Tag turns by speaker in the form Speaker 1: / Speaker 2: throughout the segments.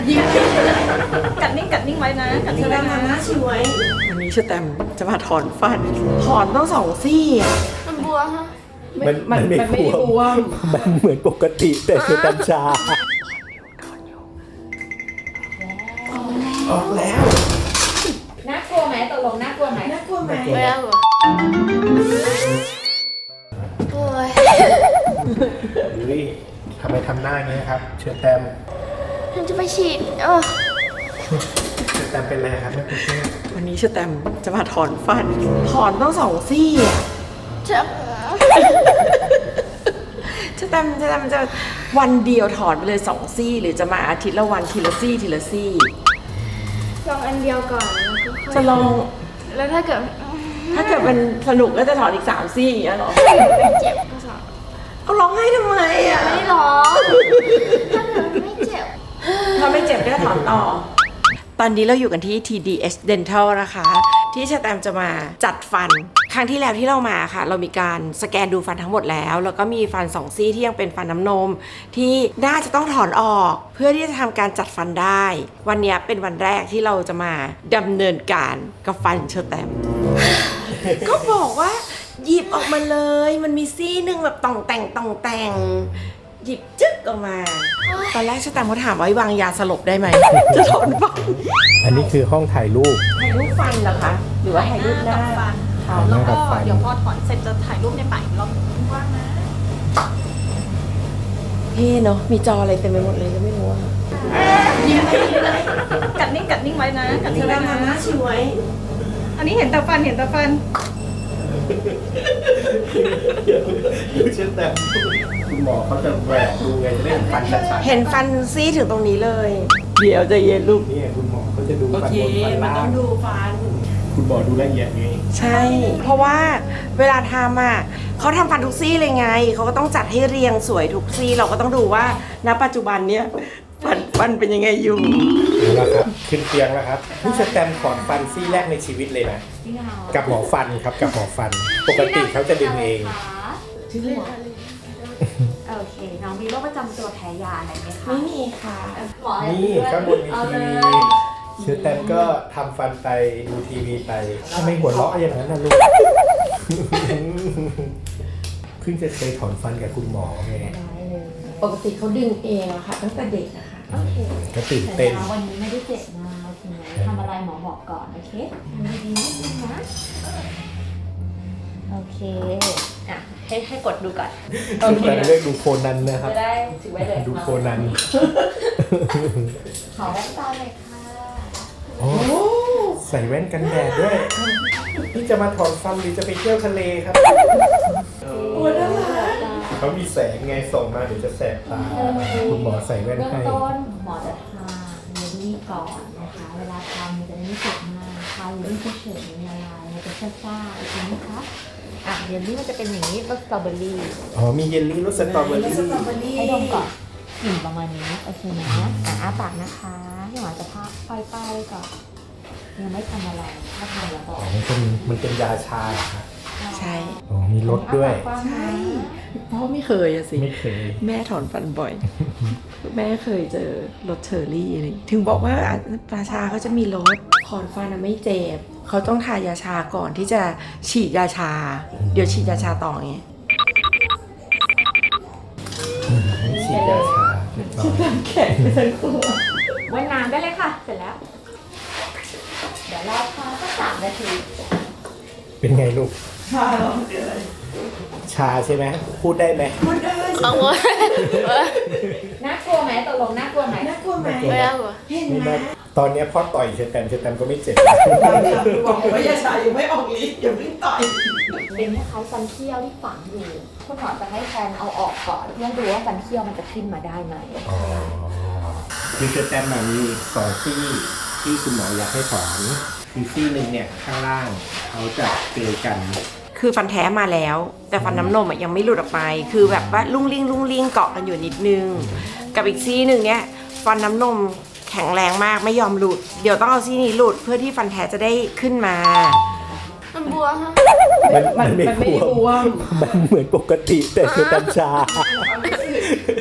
Speaker 1: ยิงกัดนิ่งไว้นะกัดนิ่งไว้นะชิวไว้วันนี้เชอแตมจะมาถอนฟันถอนต้อง2 ซี่อ่ะ
Speaker 2: มันบวมฮะ
Speaker 3: มันไม่บวมมันเหมือนปกติแต่คือกัญชาออกแล้ว
Speaker 2: น่ากลัวไหมตกลงน่ากลัวไหม
Speaker 1: น่ากลัวไหม
Speaker 2: ไม่น่ากลัวโอ้ย
Speaker 3: ดูดิทำไมทำหน้าอย่างนี้ครับเชอแตม
Speaker 2: ฉันจะไปฉีด
Speaker 3: เชอแตมเป็นอะไรครับแม่ปุ๊กเก้
Speaker 1: วันนี้เชอแตมจะมาถอนฟันถอนต้อง2 ซี่อ่ะ
Speaker 2: เจ็บ
Speaker 1: เชอแตมจะวันเดียวถอนไปเลย2 ซี่หรือจะมาอาทิตย์ละวันทีละซี่
Speaker 2: ลองอันเดียวก่อนแล้วก็ค่อย
Speaker 1: จะลอง
Speaker 2: แล้วถ้าเกิด
Speaker 1: มันสนุกก็จะถอนอีก3 ซี่อย่างเงี้ยหรอ
Speaker 2: ไม่เจ็บก็สอน
Speaker 1: เอาร้องให้ทำไมอ่ะ
Speaker 2: ไม่ร้องถ้าเกิดไม่เจ็บ
Speaker 1: ถ้าไม่เจ็บก็ถอนต่อตอนนี้เราอยู่กันที่ TDS Dental นะคะที่เชอแตมจะมาจัดฟันครั้งที่แล้วที่เรามาค่ะเรามีการสแกนดูฟันทั้งหมดแล้วก็มีฟัน2 ซี่ที่ยังเป็นฟันน้ำนมที่น่าจะต้องถอนออกเพื่อที่จะทำการจัดฟันได้วันนี้เป็นวันแรกที่เราจะมาดำเนินการกับฟันเชอแตม ก็บอกว่าหยิบออกมาเลยมันมีซี่หนึ่งแบบต่องแต่งหยิบจึ๊กออกมาตอนแรกเชอแตมเขาถามว่าวางยาสลบได้ไหมจะถอนฟัน
Speaker 3: อันนี้คือห้องถ่ายรูป
Speaker 1: ฟันเหรอคะหรือว่าถ่ายรูปหน้า
Speaker 2: ฟันแล้วก็เดี๋ยวพอถอนเสร็จจะถ่ายรูปในป่าอีกรอบว่างนะ
Speaker 1: พี่เนาะมีจออะไรเต็มไปหมดเลยก็ไม่รู้ว่า
Speaker 2: ยิงกัดนิ่งไว้นะกัดนิ่งไว้นะ
Speaker 1: ชิวไว้
Speaker 2: อันนี้เห็นแต่ฟัน
Speaker 3: ดูเช่นแต่คุณหมอเขาจะแหวกดูไงจะได้เห็นฟันชัด
Speaker 1: ๆเห็นฟันซี่ถึงตรงนี้เลยเดี๋ยวจะเย็นลูก
Speaker 3: นี่คุณหมอเขาจะดูฟันบนฟันล่าง
Speaker 1: มันต้องดูฟัน
Speaker 3: คุณหมอดูละเอียดไง
Speaker 1: ใช่เพราะว่าเวลาทำอ่ะเขาทำฟันทุกซี่เลยไงเขาก็ต้องจัดให้เรียงสวยทุกซี่เราก็ต้องดูว่าณปัจจุบันเนี้ยฟันเป็นยังไงอยู่
Speaker 3: แล้วครับขึ้นเตียงแล้วครับนี่สแตมถอนฟันซี่แรกในชีวิตเลยนะกับหมอฟันครับกับหมอฟันปกติเขาจะดึงเอง
Speaker 2: โอเคน้องมีโรคประจำตัวแพ้ยาอะไรไหมคะ
Speaker 1: ไม่มีค่ะ
Speaker 3: นี่ข้างบนมีทีวีเชอแตมก็ทำฟันไปดูทีวีไปทำไมหัวเราะอย่างนั้นนะลูกเพิ่งจะเคยถอนฟันกับคุณหมอไง
Speaker 1: ปกติเขาดึงเองอะค่ะตั้งแต่เด็กนะคะ
Speaker 2: โอเค
Speaker 3: ก็ตื่นเต้น
Speaker 2: วันนี้ไม่ได้เจ็บนะโอเคไหมทำอะไรหมอบอกก่อนโอเคดีนิดนึงนะโอเคอ่ะให้กดดูก่อน
Speaker 3: โอเคเรียกดูโคนันนะครับ
Speaker 2: จะได้ถือไว้เลย
Speaker 3: ดูโคนัน
Speaker 2: ขอแว่นตาเลยค่ะ
Speaker 3: โอ้ใส่แว่นกันแดดด้วยนี่จะมาถอนฟันหรือจะไปเที่ยวทะเลครับ
Speaker 1: โอ้น่ารัก
Speaker 3: เขามีแสงไงส่งมาเดี๋ยวจะแสบตาคุณหมอใส่แว่นให้
Speaker 2: เบื้องต้นหมอจะทาเยลลี่ก่อนนะคะเวลาทำมันจะไม่เจ็บมากทาเยลลี่เฉยๆละลายมันจะซ่าๆอีกทีนะคะเยลลี่มันจะเป็นอย่างนี้รสสตรอเบอรี่
Speaker 3: มีเยลลี่รสสตรอเบอรี่
Speaker 2: ให้ดมก่อนกลิ่นประมาณนี้โอเคนะอ้าปากนะคะพี่หมอจะพักปล่อยๆก่อนยังไม่ทำอะไรถ้าทำแล้วบอก
Speaker 3: มันเป็นยาชาครับ
Speaker 1: ใช่
Speaker 3: มีรสด้วย
Speaker 1: ใช่เพราะไม่เคยอะสิ
Speaker 3: ไม่เคย
Speaker 1: แม่ถอนฟันบ่อยแม่เคยเจอรสเชอร์รี่อะไรถึงบอกว่าปลาชาเขาจะมีรสถอนฟันไม่เจ็บเขาต้องทายาชาก่อนที่จะฉีดยาชาเดี๋ยวฉีดยาชาต่อไง
Speaker 3: ฉีดยาชา
Speaker 1: ฉีดน้ำแข็งไปทั้งตัว
Speaker 2: ว่ายน้ำได้เลยค่ะเสร็จแล้วเดี๋ยวรอพักสัก3 นาที
Speaker 3: เป็นไงลูกชาใช่ไหมพูดได้ไหม
Speaker 1: พูดได้
Speaker 2: เอาวะน่ากลัวไหมตกลงน่ากลัวไหม
Speaker 1: น่ากลัวไหม
Speaker 2: ไม่น่ากลัว
Speaker 1: เห็นไหม
Speaker 3: ตอนนี้พ่อต่อยเชอแตมก็ไม่เจ็บ
Speaker 1: บอกว่ายาชายังไม่ออกฤทธิ์อย่าเพิ่งต่อย
Speaker 2: เป็นคล้ายๆฟันเคี้ยวที่ฝังอยู่คุณหมอจะให้แทนเอาออกก่อนเพื่อดูว่าฟันเคี้ยวมันจะขึ้นมาได้ไหม
Speaker 3: คือเชอแตมมี2 ซี่ที่คุณหมออยากให้ถอนอีกซี่หนึ่งเนี่ยข้างล่างเขาจะเกยกัน
Speaker 1: คือฟันแท้มาแล้วแต่ฟันน้ำนมยังไม่หลุดออกไปคือแบบว่าลุ่งลิงเกาะกันอยู่นิดนึงกับอีกซี่หนึ่งเนี่ยฟันน้ำนมแข็งแรงมากไม่ยอมหลุดเดี๋ยวต้องเอาซี่นี้หลุดเพื่อที่ฟันแท้จะได้ขึ้นมา
Speaker 2: มันบวมฮะ
Speaker 3: มันไม่บวมมันเหมือนปกติแต่คือกัญชา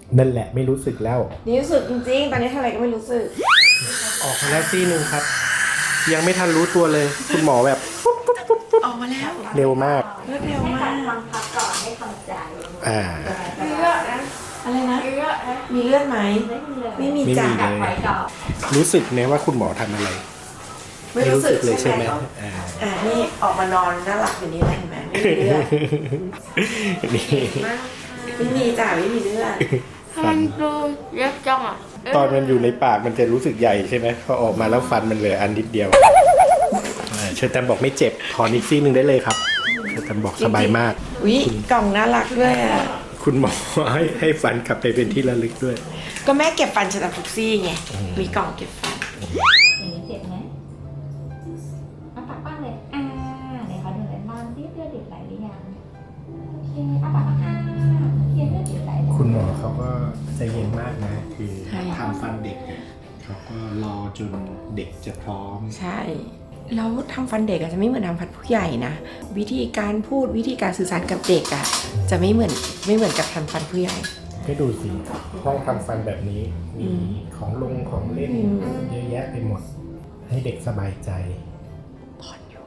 Speaker 3: นั่นแหละไม่รู้สึกแล้ว
Speaker 1: นี่รู้สึกจริงๆ ตอนนี้ทำอะไรก็ไม่รู้สึก
Speaker 3: ออกมาแล้วซี่หนึ่งครับ ยังไม่ทันรู้ตัวเลย คุณหมอแบบ
Speaker 1: ออกมาแล้ว
Speaker 3: เร็วมาก
Speaker 1: เลือดเร็ว
Speaker 2: ให้
Speaker 1: มา
Speaker 2: จั
Speaker 1: ก
Speaker 2: ดฟังพักก่อนให้ทำใจ
Speaker 3: อ่า
Speaker 1: มีเลือดนะ อะไรนะ มีเลือดไหม
Speaker 2: ไม่มีเลย
Speaker 1: ไม่มีจ้ะ
Speaker 3: ไม่มี
Speaker 2: จัดไว้ก่อน
Speaker 3: รู้สึกไหมว่าคุณหมอทำอะไร
Speaker 1: ไม่รู้สึก
Speaker 3: เลย
Speaker 1: ใช่
Speaker 3: ใช่
Speaker 1: ไห
Speaker 3: ไห
Speaker 1: ม
Speaker 3: มอ่า
Speaker 1: นี่ออกมานอนน่ารักอย่างนี้เลยเห็นไหมไม่มีเลือด
Speaker 3: นี่
Speaker 1: ไม่มีจ้ะไม่มีเลือด
Speaker 2: มันดูเล็กจังอ่ะ
Speaker 3: ตอนมันอยู่ในปากมันจะรู้สึกใหญ่ใช่ไหมพอออกมาแล้วฟันมันเหลืออันนิดเดียวเชอร์แตมบอกไม่เจ็บถอนอีกซี่หนึ่งได้เลยครับเชอร์แตมบอกสบายมาก
Speaker 1: อุ๊ยกล่องน่ารักด้วยอ่ะ
Speaker 3: คุณหมอให้ฟันกลับไปเป็นที่ระลึกด้วย
Speaker 1: ก็แม่เก็บฟันฉันทุกซี่ไง มีกล่องเก็บฟัน
Speaker 2: อย่างนี้เจ็บไหมเอาปากบ้างเลยไหนขอดูหน่อยบ้างที่เลือดหยุดไหลหรือยังโอเคเอาปากบ้างโอเคเลือดหยุดไหลแล้ว
Speaker 3: คุณหมอเขาก็ใจเย็นมากนะ คือ
Speaker 1: ใช่
Speaker 3: ทำฟันเด็กเนี่ยเขาก็รอจนเด็กจะพร้อม
Speaker 1: ใช่ แล้วทำฟันเด็กอาจจะไม่เหมือนทำฟันผู้ใหญ่นะ วิธีการพูดวิธีการสื่อสารกับเด็กอ่ะจะไม่เหมือนกับทำฟันผู้ใหญ่
Speaker 3: ให้ดูสิห้องทำฟันแบบนี้ มีของลงของเล่น
Speaker 1: อืม
Speaker 3: เยอะแยะไปหมด ให้เด็กสบายใจ
Speaker 1: ถอนอยู่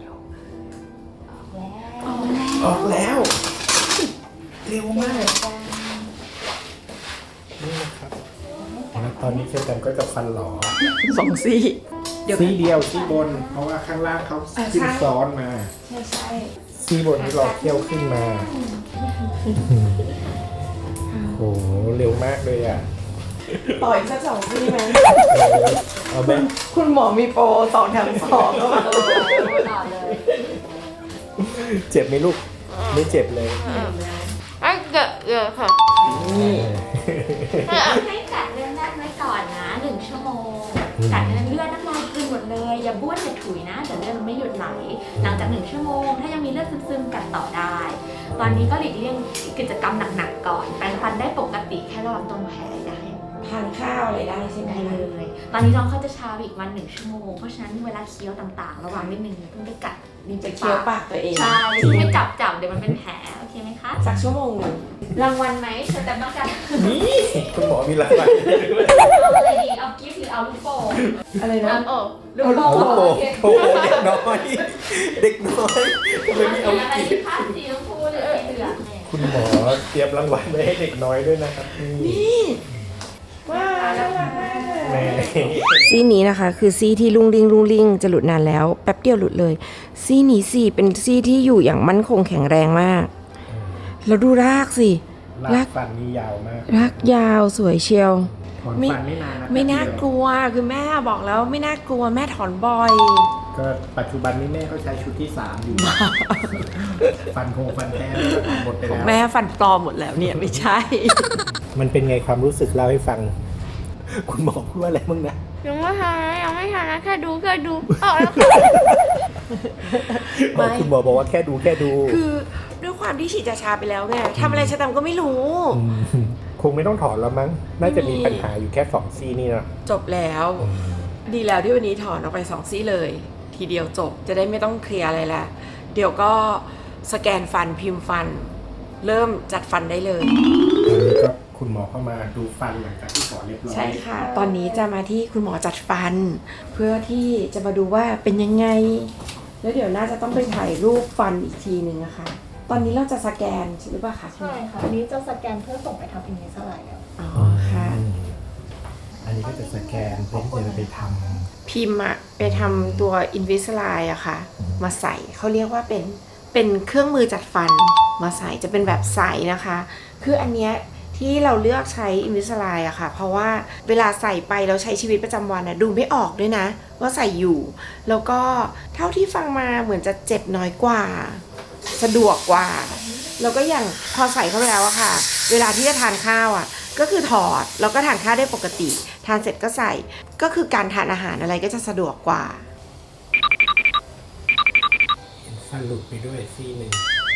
Speaker 2: แล้ว
Speaker 3: ออกแล้ว เร็วมากนี่นะครับแล้วตอนนี้เชอร์แตมก็จะฟันหลอ
Speaker 1: สองซี่ เดี๋ยว
Speaker 3: ซี่เดียวซี่บน เพราะว่าข้างล่างเขาขึ้นซ้อนมา
Speaker 1: ใช่
Speaker 3: ซี่บนที่เราเที่ยวขึ้นมาโอ้โหเร็วมากเลยอ่ะ
Speaker 1: ต่ออีกสักสองซี่ไหม
Speaker 3: เอาแบบ
Speaker 1: คุณหมอมีโปร2 แถม 2ก็มา
Speaker 2: ต่อเลย
Speaker 3: เจ็บไหมลูก ไม่เจ็บเลย
Speaker 2: ไอ้เกิดเยอะค่ะ
Speaker 1: นี่
Speaker 2: ให้กัดเลือดแรกไว้ก่อนนะ1 ชั่วโมงกัดเลือดน้ำลายคืนหมดเลยอย่าบ้วนอย่าถุยนะเดี๋ยวเลือดมันไม่หยุดไหลหลังจาก1 ชั่วโมงถ้ายังมีเลือดซึมๆกัดต่อได้ ตอนนี้ก็หลีกเลี่ยงกิจกรรมหนักๆก่อนแปรงฟันได้ปกติแค่ระวังตรงแผลได้
Speaker 1: ทานข้าวอะไรได้ใช่ไหม
Speaker 2: ได้เลย ตอนนี้น้องเขาจะชาอีกวัน1 ชั่วโมง เพราะฉะนั้นเวลาเคี้ยวต่างๆ ระวังนิดนึงอย่าเพิ่งไปกัดลิ้น
Speaker 1: จะ
Speaker 2: ไป
Speaker 1: เคี้ยวปากตัวเอง
Speaker 2: ใช่ไม่จับเดี๋ยวมันเป็นแผลโอเคไหมคะ
Speaker 1: สักชั่วโมงหนึ่ง
Speaker 2: รางวัลไหมเธอแต่ต้องการ
Speaker 3: นี่คุณหมอมีรางวัล
Speaker 2: เอาอะไรดีเอากิฟต์หรือเอาลูกโป่ง
Speaker 1: อะไรนะ
Speaker 2: เอาลูกโป่ง
Speaker 3: โอ้โห
Speaker 2: โอเค
Speaker 3: โอ้โหเด็กน้อย เด็กน้อยทำไมไม่เอา
Speaker 2: อะไร
Speaker 3: กิ
Speaker 2: ดี
Speaker 3: น
Speaker 2: คะสีชมพูหรือสีเหลืองเนี่ย
Speaker 3: คุณหมอเตรียมรางวัลไว้ให้เด็กน้อยด้วยนะครับนี่
Speaker 1: ว้าวน่ารักมากเลย
Speaker 3: แม่
Speaker 1: ซี่นี้นะคะคือซี่ที่ลุงลิงจะหลุดนานแล้วแป๊บเดียวหลุดเลย ซี่นี้สิเป็นซี่ที่อยู่อย่างมั่นคงแข็งแรงมาก แล้วดูรากสิ
Speaker 3: ลากฟันนี่ยาวมาก
Speaker 1: รากยาวสวยเชียว
Speaker 3: ถอนฟันไม่นานนะ
Speaker 1: ไม่น่ากลัวคือแม่บอกแล้วไม่น่ากลัวแม่ถอนบ่อย
Speaker 3: ก็ปัจจุบันนี้แม่เขาใช้ชุดที่ 3 อยู่ ฟันโคงฟันแท้หมดไปแล้ว
Speaker 1: แม่ฟันปลอมหมดแล้วเนี่ยไม่ใช่
Speaker 3: มันเป็นไงความรู้สึกเล่าให้ฟัง คุณหมอพูดว่าอะไรบ้างนะ
Speaker 2: ยังไม่ทันนะแค่ดูเอาแล้ว
Speaker 1: ไม่
Speaker 3: คุณหมอบอกว่าแค่ดู
Speaker 1: คือด้วยความที่ฉีดยาชาไปแล้วไงทำอะไรชะตามก็ไม่รู้
Speaker 3: มคงไม่ต้องถอนแล้วมั้ง น่าจะมีปัญหาอยู่แค่2 ซี่นี่นะ
Speaker 1: จบแล้ว ดีแล้วที่วันนี้ถอนออกไป2 ซี่เลย ทีเดียวจบจะได้ไม่ต้องเคลียร์อะไรละเดี๋ยวก็สแกนฟันพิมพ์ฟัน เริ่มจัดฟันได้เลย
Speaker 3: ตอนนี้ก็คุณหมอเข้ามาดูฟันหลังจากที่ถอนเรียบร้อย
Speaker 1: ใช่ค่ะ ตอนนี้จะมาที่คุณหมอจัดฟัน เพื่อที่จะมาดูว่าเป็นยังไง แล้วเดี๋ยวน่าจะต้องไปถ่ายรูปฟันอีกทีหนึ่งนะคะ ตอนนี้เราจะสแกนใช่หรือเปล่าคะ
Speaker 4: ใช่ค่ะ อันนี้จะสแกนเพื่อส่งไปทำอินเวสไลด์แล้ว
Speaker 1: อ๋อค่ะ
Speaker 3: อันนี้ก็จะสแกนเพื่อที่จะไปท
Speaker 1: พิมพ์อะไปทำตัว Invisalign อะค่ะ มาใส่เขาเรียกว่าเป็นเครื่องมือจัดฟันมาใส่จะเป็นแบบใสนะคะ คืออันเนี้ยที่เราเลือกใช้ Invisalign อะค่ะ เพราะว่าเวลาใส่ไปแล้วใช้ชีวิตประจำวันอะดูไม่ออกด้วยนะ ว่าใส่อยู่ แล้วก็เท่าที่ฟังมาเหมือนจะเจ็บน้อยกว่า สะดวกกว่า แล้วก็อย่างพอใส่เข้าไปแล้วอะค่ะ เวลาที่จะทานข้าวอะก็คือถอดแล้วก็ทานข้าวได้ปกติ ทานเสร็จก็ใส่ก็คือการทานอาหารอะไรก็จะสะดวกกว่า
Speaker 3: ำฟันหลุดไปด้วยซี่หนึ่ง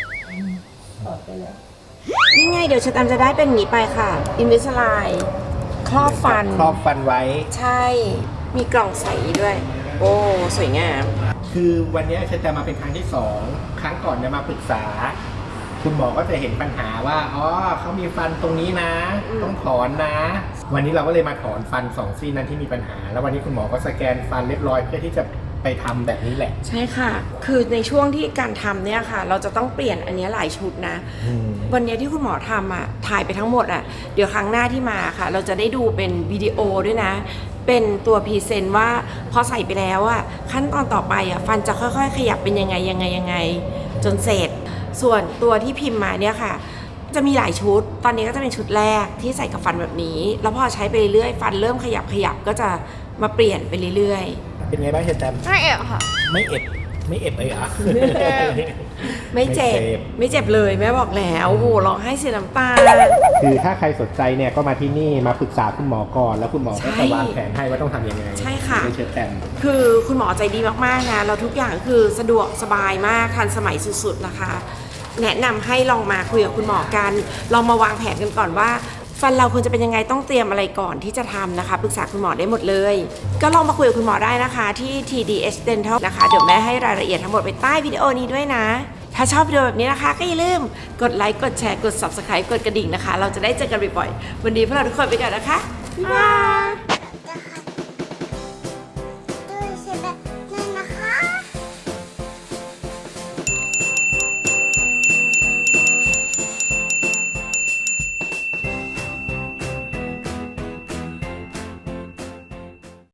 Speaker 1: นี่ไงเดี๋ยวชะตามจะได้เป็นอย่างนี้ไปค่ะ Invisalign ครอบฟัน
Speaker 3: ครอบฟันไว้
Speaker 1: ใช่ มีกล่องใสด้วย โอ้ สวยงาม
Speaker 3: คือวันนี้เชอร์แตมมาเป็นครั้งที่ 2 ครั้งก่อนเนี่ยมาปรึกษา คคุณหมอก็จะเห็นปัญหาว่าอ๋อเขามีฟันตรงนี้นะ ต้องถอนนะ วันนี้เราก็เลยมาถอนฟัน2ซี่นั้นที่มีปัญหา แล้ววันนี้คุณหมอก็สแกนฟันเรียบร้อยเพื่อที่จะไปทำแบบนี้แหละ
Speaker 1: ใช่ค่ะ คือในช่วงที่การทำเนี่ยค่ะ เราจะต้องเปลี่ยนอันเนี้ยหลายชุดนะ วันเนี้ยที่คุณหมอทำอ่ะถ่ายไปทั้งหมดอ่ะเดี๋ยวครั้งหน้าที่มาค่ะ เราจะได้ดูเป็นวิดีโอด้วยนะ เป็นตัวพรีเซนต์ว่าพอใส่ไปแล้วอ่ะขั้นตอนต่อไปอ่ะฟันจะค่อยๆ ขยับเป็นยังไงจนเสร็จ ส่วนตัวที่พิมพ์มาเนี่ยค่ะ จะมีหลายชุด ตอนนี้ก็จะเป็นชุดแรกที่ใส่กับฟันแบบนี้ แล้วพอใช้ไปเรื่อยๆฟันเริ่มขยับก็จะมาเปลี่ยนไปเรื่อยๆ
Speaker 3: เป็นไงบ้างเชอแตม
Speaker 2: ไม่เอ๋ค่ะ
Speaker 3: ไม่เอ็ดเลยอ่ะ
Speaker 1: ไม่เจ็บ ไม่เจ็บเลยแม่บอกแล้วโอ้โหร้องไห้เสียน้ำตา
Speaker 3: คือถ้าใครสนใจเนี่ยก็มาที่นี่มาปรึกษาคุณหมอก่อน แล้วคุณหมอก็
Speaker 1: ใช่
Speaker 3: จะวางแผนให้ว่าต้องทำยังไง
Speaker 1: ใช่ค่ะ
Speaker 3: ไม่เชอแตม
Speaker 1: คือคุณหมอใจดีมากๆนะแล้วทุกอย่างคือสะดวกสบายมากทันสมัยสุดๆนะคะ แนะนำให้ลองมาคุยกับคุณหมอกันลองมาวางแผนกันก่อนว่า ฟันเราควรจะเป็นยังไงต้องเตรียมอะไรก่อนที่จะทำนะคะปรึกษาคุณหมอได้หมดเลย ก็ลองมาคุยกับคุณหมอได้นะคะที่ TDH Dental นะคะเดี๋ยวแม่ให้รายละเอียดทั้งหมดไปใต้วิดีโอนี้ด้วยนะ ถ้าชอบวิดีโอแบบนี้นะคะก็อย่าลืมกดไลค์กดแชร์กด Subscribe กดกระดิ่งนะคะ เราจะได้เจอกันบ่อยๆวันนี้พวกเราทุกคนไปก่อนนะคะบ๊ายบาย